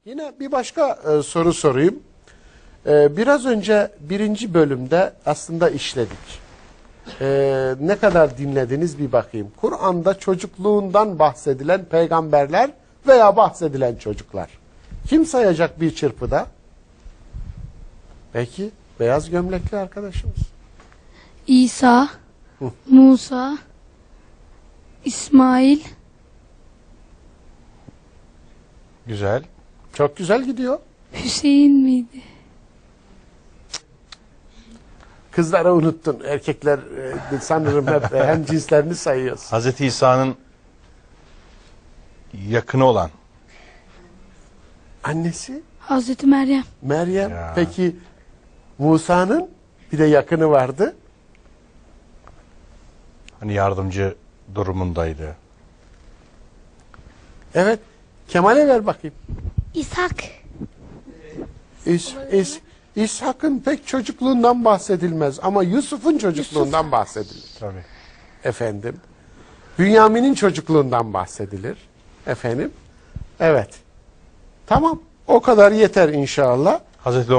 Yine bir başka soru sorayım. Biraz önce birinci bölümde aslında işledik. Ne kadar dinlediniz bir bakayım. Kur'an'da çocukluğundan bahsedilen peygamberler veya bahsedilen çocuklar. Kim sayacak bir çırpıda? Peki, beyaz gömlekli arkadaşımız. İsa, Musa, İsmail, Güzel. Çok güzel gidiyor. Hüseyin miydi? Kızları unuttun. Erkekler sanırım hep hem cinslerini sayıyoruz. Hazreti İsa'nın yakını olan. Annesi Hazreti Meryem, Meryem. Ya. Peki Musa'nın bir de yakını vardı. Hani yardımcı durumundaydı. Evet. Kemal'e ver bakayım. İshak, İshak'ın pek çocukluğundan bahsedilmez ama Yusuf'un çocukluğundan bahsedilir. Tabii. Efendim. Bünyamin'in çocukluğundan bahsedilir. Efendim. Evet. Tamam. O kadar yeter inşallah. Hazreti